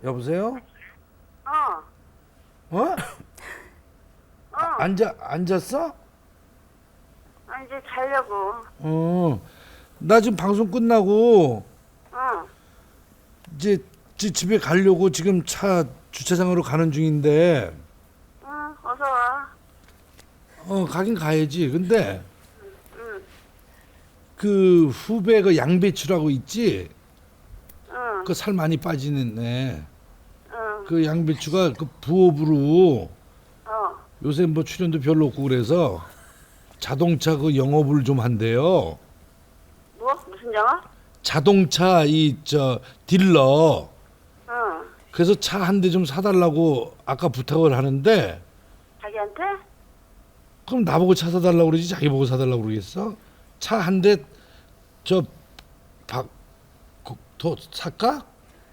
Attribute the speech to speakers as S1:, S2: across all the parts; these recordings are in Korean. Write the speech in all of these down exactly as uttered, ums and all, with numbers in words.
S1: 여보세요?
S2: 어,
S1: 어?
S2: 어.
S1: 앉아 앉았어?
S2: 아, 이제 자려고.
S1: 어. 나 지금 방송 끝나고
S2: 어,
S1: 이제 지- 집에 가려고 지금 차 주차장으로 가는 중인데
S2: 응, 어서 와.
S1: 어 가긴 가야지. 근데
S2: 응,
S1: 그 후배 그 양배추라고 있지?
S2: 응,
S1: 그 살 많이 빠지는 애.
S2: 응,
S1: 그 양배추가 그 부업으로
S2: 어.
S1: 요새 뭐 출연도 별로 없고 그래서 자동차 그 영업을 좀 한대요.
S2: 뭐? 무슨 영화?
S1: 자동차 이 저 딜러.
S2: 응,
S1: 그래서 차 한 대 좀 사달라고 아까 부탁을 하는데
S2: 자기한테?
S1: 그럼 나보고 차 사달라고 그러지 자기 보고 사달라고 그러겠어? 차 한 대 저 박 더 살까?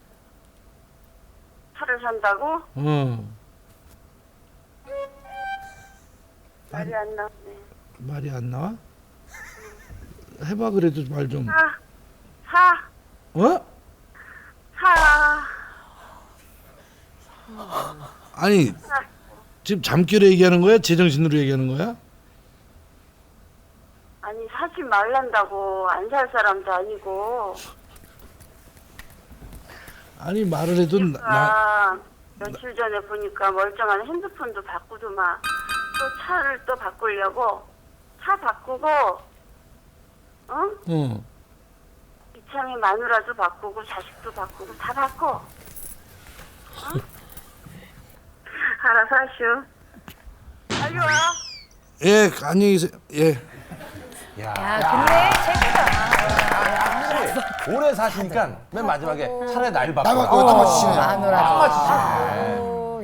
S2: 차를 산다고?
S1: 어
S2: 말이 안 나오네.
S1: 말이 안 나와? 해봐 그래도 말 좀.
S2: 사, 사,
S1: 어?
S2: 사.
S1: 아니 지금 잠결에 얘기하는 거야? 제정신으로 얘기하는 거야?
S2: 아니, 사지 말란다고. 안 살 사람도 아니고.
S1: 아니 말을 해도 나, 나
S2: 아, 며칠 전에 보니까 멀쩡한 핸드폰도 바꾸더만. 또 차를 또 바꾸려고. 차 바꾸고, 어?
S1: 어.
S2: 이창의 마누라도 바꾸고 자식도 바꾸고 다 바꿔. 어? 알아서 하시오. 빨리 와.
S1: 예 안녕히 계세요. 예.
S3: 야, 근데 최고다.
S4: 오래 사시니까 맨 마지막에 차라리 날 바꿔.
S5: 날 바꿔 딱 맞추시네요.
S3: 마누라.
S4: 딱 맞추시네.